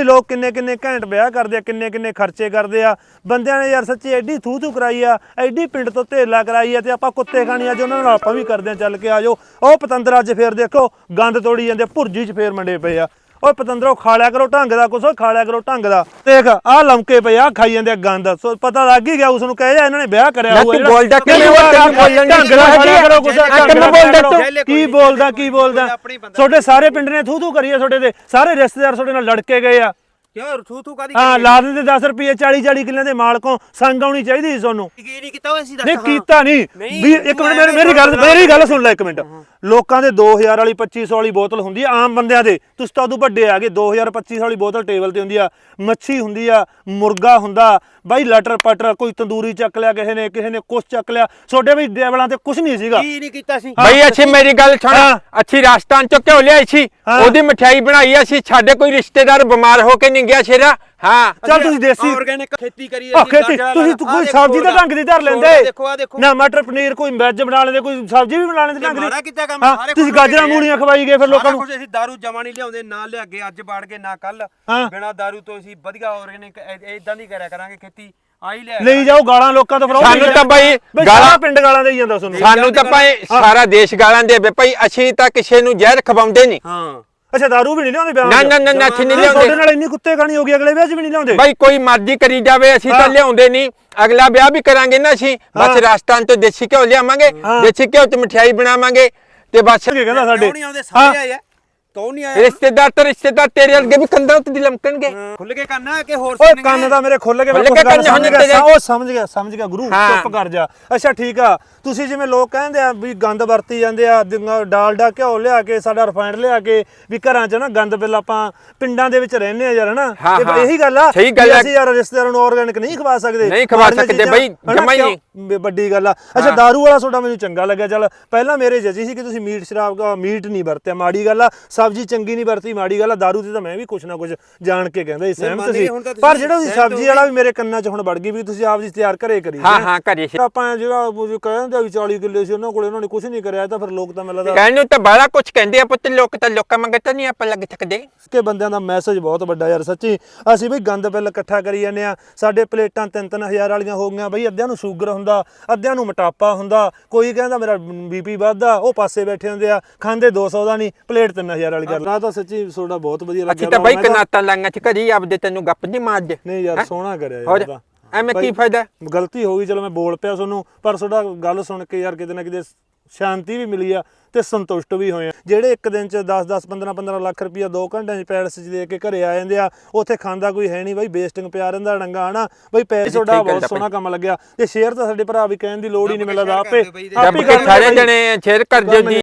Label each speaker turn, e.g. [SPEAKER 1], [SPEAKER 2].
[SPEAKER 1] ਬਈ ਲੋਕ ਕਿੰਨੇ ਕਿੰਨੇ ਘੈਂਟ ਵਿਆਹ ਕਰਦੇ ਆ, ਕਿੰਨੇ ਕਿੰਨੇ ਖਰਚੇ ਕਰਦੇ ਆ ਬੰਦਿਆਂ ਨੇ ਯਾਰ ਸੱਚੀ ਐਡੀ ਥੂ ਕਰਾਈ ਆ, ਐਡੀ ਪਿੰਡ ਤੋਂ ਧੇਲਾ ਕਰਾਈ ਆ ਤੇ ਆਪਾਂ ਕੁੱਤੇ ਖਾਣੀ ਅੱਜ ਉਹਨਾਂ ਨਾਲ ਆਪਾਂ ਵੀ ਕਰਦੇ ਆ ਚੱਲ ਕੇ ਆ ਜਾਓ। ਉਹ ਪਤੰਦਰ ਅੱਜ ਫੇਰ ਦੇਖੋ ਗੰਦ ਤੋੜੀ ਜਾਂਦੇ, ਭੁਰਜੀ 'ਚ ਫੇਰ ਮੰਡੇ ਪਏ ਆ। ਓਏ ਪਤੰਦਰੋਂ ਖਾ ਲਿਆ ਕਰੋ ਢੰਗ ਦਾ ਕੁਛ, ਖਾ ਲਿਆ ਕਰੋ ਢੰਗ ਦਾ। ਦੇਖ ਆਹ ਲਮਕੇ ਪਏ ਆ ਖਾਈ ਜਾਂਦੇ ਗੰਦ, ਸੋ ਪਤਾ ਲੱਗ ਹੀ ਗਿਆ ਉਸ ਨੂੰ ਕਹੇ ਜਾ ਇਹਨਾਂ ਨੇ ਵਿਆਹ ਕਰਿਆ ਹੋਊਗਾ। ਕੀ ਬੋਲਦਾ ਤੁਹਾਡੇ ਸਾਰੇ ਪਿੰਡ ਨੇ ਥੂ ਕਰੀ ਆ, ਤੁਹਾਡੇ ਤੇ ਸਾਰੇ ਰਿਸ਼ਤੇਦਾਰ ਤੁਹਾਡੇ ਨਾਲ ਲੜ ਕੇ ਗਏ ਆ। ਹਾਂ ਲਾ ਦਿੰਦੇ 10 ਰੁਪਏ 40 ਕਿੱਲਿਆਂ ਦੇ ਮਾਲਕੋਂ ਸੰਗ ਆਉਣੀ ਚਾਹੀਦੀ ਸੀ ਤੁਹਾਨੂੰ। ਨਹੀਂ ਕੀਤਾ ਨਹੀਂ ਵੀ ਇੱਕ ਮਿੰਟ ਮੇਰੀ ਗੱਲ ਸੁਣ ਲੈ ਇੱਕ ਮਿੰਟ। ਲੋਕਾਂ ਦੇ 2000 ਵਾਲੀ 2500 ਵਾਲੀ ਬੋਤਲ ਹੁੰਦੀ ਆ ਆਮ ਬੰਦਿਆਂ ਦੇ, ਤੁਸੀਂ ਤਾਂ ਉਦੋਂ ਵੱਡੇ ਆ ਗਏ। 2000 2500 ਵਾਲੀ ਬੋਤਲ ਟੇਬਲ ਤੇ ਹੁੰਦੀ ਆ, ਮੱਛੀ ਹੁੰਦੀ ਆ, ਮੁਰਗਾ ਹੁੰਦਾ ਬਾਈ, ਲਟਰ ਪਟਰ ਕੋਈ ਤੰਦੂਰੀ ਚੱਕ ਲਿਆ ਕਿਸੇ ਨੇ ਕੁਛ ਚੱਕ ਲਿਆ। ਛੋਡੇ ਵੀ ਡੇਵਲਾਂ ਤੇ ਕੁਛ ਨਹੀਂ ਸੀਗਾ।
[SPEAKER 2] ਕੀ ਨਹੀਂ ਕੀਤਾ ਸੀ
[SPEAKER 3] ਬਈ ਅੱਛੀ ਮੇਰੀ ਗੱਲ ਸੁਣ, ਅੱਛੀ ਰਾਜਸਥਾਨ ਚੋਂ ਘਿਓ ਲਿਆਈ ਸੀ, ਉਹਦੀ ਮਠਿਆਈ ਬਣਾਈ ਅਸੀਂ। ਸਾਡੇ ਕੋਈ ਰਿਸ਼ਤੇਦਾਰ ਬਿਮਾਰ ਹੋ ਕੇ ਨਹੀਂ ਗਿਆ ਸ਼ੇਰਾ। ਹਾਂ
[SPEAKER 1] ਚੱਲ ਤੁਸੀਂ ਦੇਸੀ
[SPEAKER 2] ਆਰਗੈਨਿਕ ਖੇਤੀ ਕਰੀ
[SPEAKER 1] ਖੇਤੀ ਤੁਸੀਂ ਕੋਈ ਸਬਜ਼ੀ ਦਾ ਢੰਗ ਦੀ ਧਰ ਲੈਂਦੇ ਨਾ, ਮਟਰ ਪਨੀਰ ਕੋਈ ਵੈਜ ਬਣਾ ਲੈਂਦੇ, ਕੋਈ ਸਬਜ਼ੀ ਵੀ ਬਣਾ ਲੈਂਦੇ ਢੰਗ ਦੀ। ਤੁਸੀਂ ਗਾਜਰਾਂ ਮੂਲੀਆਂ ਖਵਾਈ ਗਏ ਫਿਰ ਲੋਕਾਂ ਨੂੰ।
[SPEAKER 2] ਅਸੀਂ ਦਾਰੂ ਜਮਾ ਨਹੀਂ ਲਿਆਉਂਦੇ, ਨਾ ਲਿਆ ਕੇ ਅੱਜ ਬਾੜ ਕੇ ਨਾ ਕੱਲ, ਬਿਨਾ ਦਾਰੂ ਤੋਂ ਅਸੀਂ ਵਧੀਆ ਆਰਗੈਨਿਕ ਇਦਾਂ ਦੀ ਕਰਿਆ ਕਰਾਂਗੇ ਖੇਤੀ।
[SPEAKER 1] ਲਈ ਜਾਓ ਗਾਲਾਂ ਲੋਕਾਂ ਤੋਂ, ਫਿਰ
[SPEAKER 3] ਸਾਨੂੰ ਤਾਂ ਬਾਈ
[SPEAKER 1] ਗਾਲਾਂ ਪਿੰਡ ਗਾਲਾਂ ਦੇਈ ਜਾਂਦਾ ਤੁਹਾਨੂੰ।
[SPEAKER 3] ਸਾਨੂੰ ਤਾਂ ਭਾਈ ਸਾਰਾ ਦੇਸ਼ ਗਾਲਾਂ ਦੇਵੇ ਭਾਈ, ਅਸੀਂ ਤਾਂ ਕਿਸੇ ਨੂੰ ਜ਼ਹਿਰ ਖਵਾਉਂਦੇ ਨਹੀਂ।
[SPEAKER 1] ਹਾਂ ਅੱਛਾ ਦਾਰੂ ਵੀ ਨਹੀਂ ਲਿਆਉਂਦੇ ਵਿਆਹ?
[SPEAKER 3] ਨਾ ਅਸੀਂ ਨਹੀਂ ਲਿਆਉਂਦੇ।
[SPEAKER 1] ਤੁਹਾਡੇ ਨਾਲ ਇੰਨੀ ਕੁੱਤੇ ਖਾਣੀ ਹੋ ਗਈ, ਅਗਲੇ ਵਿਆਹ 'ਚ ਵੀ ਨਹੀਂ ਲਿਆਉਂਦੇ?
[SPEAKER 3] ਬਾਈ ਕੋਈ ਮਰਜ਼ੀ ਕਰੀ ਜਾਵੇ, ਅਸੀਂ ਤਾਂ ਲਿਆਉਂਦੇ ਨਹੀਂ। ਅਗਲਾ ਵਿਆਹ ਵੀ ਕਰਾਂਗੇ ਨਾ ਅਸੀਂ, ਬਸ ਰਾਜਸਥਾਨ ਤੋਂ ਦੇਸੀ ਘਿਓ ਲਿਆਵਾਂਗੇ, ਦੇਸੀ ਘਿਓ ਚ ਮਠਿਆਈ ਬਣਾਵਾਂਗੇ ਤੇ ਬਸ।
[SPEAKER 1] ਕਹਿੰਦਾ ਸਾਡੇ
[SPEAKER 2] ਕੌਣ ਨਹੀਂ ਆਇਆ?
[SPEAKER 3] ਰਿਸ਼ਤੇਦਾਰ ਤੇਰੇ ਅੱਗੇ ਵੀ ਕੰਧਾਂ ਉੱਤੇ ਲਮਕਣਗੇ।
[SPEAKER 2] ਖੁੱਲ ਕੇ ਕੰਨ ਕਿ ਹੋਰ
[SPEAKER 1] ਓਏ ਕੰਨ ਦਾ ਮੇਰੇ ਖੁੱਲ ਕੇ ਮੈਂ ਸਮਝ ਗਿਆ ਗੁਰੂ, ਚੁੱਪ ਕਰ ਜਾ। ਅੱਛਾ ਠੀਕ ਆ, ਤੁਸੀਂ ਜਿਵੇਂ ਲੋਕ ਕਹਿੰਦੇ ਆ ਵੀ ਗੰਦ ਵਰਤੀ ਜਾਂਦੇ ਆ, ਡਾਲਡਾ ਘਿਓ ਲਿਆ ਕੇ, ਸਾਡਾ ਰਿਫਾਈਨਡ ਲਿਆ ਕੇ ਵੀ ਘਰਾਂ 'ਚ ਨਾ ਗੰਦ ਬਿੱਲ ਆਪਾਂ ਪਿੰਡਾਂ ਦੇ ਵਿੱਚ ਰਹਿੰਦੇ ਆ ਯਾਰ ਹਨਾ। ਇਹੀ ਗੱਲ ਆ, ਅਸੀਂ ਯਾਰ ਰਿਸ਼ਤੇਦਾਰਾਂ ਨੂੰ ਆਰਗੈਨਿਕ ਨਹੀਂ ਖਵਾ ਸਕਦੇ।
[SPEAKER 3] ਨਹੀਂ ਖਵਾ ਸਕਦੇ ਬਈ, ਜਮਾ ਹੀ ਨਹੀਂ।
[SPEAKER 1] ਵੱਡੀ ਗੱਲ ਆ। ਅੱਛਾ ਦਾਰੂ ਵਾਲਾ ਤੁਹਾਡਾ ਮੈਨੂੰ ਚੰਗਾ ਲੱਗਿਆ। ਚੱਲ ਪਹਿਲਾਂ ਮੇਰੇ ਜੱਜੀ ਸੀ ਕਿ ਤੁਸੀਂ ਮੀਟ ਨਹੀਂ ਵਰਤਿਆ, ਮਾੜੀ ਗੱਲ ਆ। ਸਬਜ਼ੀ ਚੰਗੀ ਨਹੀਂ ਵਰਤੀ, ਮਾੜੀ ਗੱਲ ਆ। ਦਾਰੂ ਤੇ ਤਾਂ ਮੈਂ ਵੀ ਕੁਛ ਨਾ ਕੁਛ ਜਾਣ ਕੇ ਕਹਿੰਦਾ ਸੀ, ਸਹਿਮਤ ਸੀ। ਪਰ ਜਿਹੜਾ ਤੁਸੀਂ ਸਬਜ਼ੀ ਵਾਲਾ ਵੀ ਮੇਰੇ ਕੰਨਾਂ 'ਚ ਹੁਣ ਵੜ ਗਈ ਵੀ ਤੁਸੀਂ ਆਪ ਜੀ ਤਿਆਰ ਘਰੇ ਕਰੀ।
[SPEAKER 3] ਹਾਂ ਘਰੇ
[SPEAKER 1] ਆਪਾਂ ਜਿਹੜਾ ਕਹਿੰਦੇ ਵੀ 40 ਕਿੱਲੇ ਸੀ ਉਹਨਾਂ ਕੋਲ, ਉਹਨਾਂ ਨੇ ਕੁਛ ਨਹੀਂ ਕਰਿਆ। ਤਾਂ ਫਿਰ ਲੋਕ ਤਾਂ ਮੈਨੂੰ ਲੱਗਦਾ
[SPEAKER 3] ਕਹਿਣ ਨੂੰ ਤਾਂ ਬੜਾ ਕੁਛ ਕਹਿੰਦੇ ਆ ਪੁੱਤ, ਲੋਕ ਤਾਂ ਲੋਕਾਂ ਮੰਗਰ ਤਾਂ ਨਹੀਂ ਆਪਾਂ ਲੱਗ ਸਕਦੇ।
[SPEAKER 1] ਕਿ ਬੰਦਿਆਂ ਦਾ ਮੈਸੇਜ ਬਹੁਤ ਵੱਡਾ ਯਾਰ ਸੱਚੀ। ਅਸੀਂ ਬਈ ਗੰਦ ਬਿੱਲ ਇਕੱਠਾ ਕਰੀ ਜਾਂਦੇ ਆ, ਸਾਡੇ ਪਲੇਟਾਂ 3-3 ਹਜ਼ਾਰ ਵਾਲੀਆਂ ਹੋ ਗਈਆਂ ਬਈ। ਅੱਧਿਆਂ ਨੂੰ ਸ਼ੂਗਰ ਹੁੰਦਾ, ਅੱਧਿਆਂ ਨੂੰ ਮੋਟਾਪਾ ਹੁੰਦਾ, ਕੋਈ ਕਹਿੰਦਾ ਮੇਰਾ BP ਵੱਧਦਾ, ਉਹ ਪਾਸੇ ਬੈਠੇ ਹੁੰਦੇ ਆ, ਖਾਂਦੇ 200 ਦਾ ਨਹੀਂ, ਪਲੇਟ 3000 ਵਾਲੀ ਕਰ ਲਾ। ਤਾਂ ਸੱਚੀ ਤੁਹਾਡਾ ਬਹੁਤ ਵਧੀਆ ਲੱਗਿਆ।
[SPEAKER 3] ਅਸੀਂ ਤਾਂ ਬਾਈ ਕਨਾਤਾਂ ਲਾਂਗਾ ਚ ਘਰੀ ਆਪਦੇ, ਤੈਨੂੰ ਗੱਪ ਨਹੀਂ ਮਾਰਦੇ।
[SPEAKER 1] ਨਹੀਂ ਯਾਰ ਸੋਹਣਾ ਕਰਿਆ ਯਾਰ,
[SPEAKER 3] ਐਵੇਂ ਕੀ ਫਾਇਦਾ।
[SPEAKER 1] ਗਲਤੀ ਹੋ ਗਈ, ਚਲੋ ਮੈਂ ਬੋਲ ਪਿਆ ਤੁਹਾਨੂੰ, ਪਰ ਤੁਹਾਡਾ ਗੱਲ ਸੁਣ ਕੇ ਯਾਰ ਕਿਤੇ ਨਾ ਕਿਤੇ ਸ਼ਾਂਤੀ ਵੀ ਮਿਲੀ ਆ ਤੇ ਸੰਤੁਸ਼ਟ ਵੀ ਹੋਏ ਆ। ਜਿਹੜੇ ਇੱਕ ਦਿਨ ਚ 10-10 15-15 ਲੱਖ ਰੁਪਇਆ 2 ਘੰਟਿਆਂ ਚ ਪੈਲਸ ਚ ਦੇ ਕੇ ਘਰੇ ਆ ਜਾਂਦੇ ਆ, ਉੱਥੇ ਖਾਂਦਾ ਕੋਈ ਹੈ ਨਹੀਂ ਬਈ, ਵੇਸਟਿੰਗ ਪਿਆ ਰਹਿੰਦਾ ਡੰਗਾ ਹਨਾ ਬਈ। ਪੈਸੇ ਤੁਹਾਡਾ ਬਹੁਤ ਸੋਹਣਾ ਕੰਮ ਲੱਗਿਆ ਤੇ ਸ਼ੇਅਰ ਤਾਂ ਸਾਡੇ ਭਰਾ ਵੀ ਕਹਿਣ ਦੀ ਲੋੜ ਹੀ ਨਹੀਂ, ਮਿਲਦਾ ਆਪੇ
[SPEAKER 3] ਸਾਰੇ ਜਣੇ ਸ਼ੇਅਰ ਕਰ ਦਿਓ ਜੀ।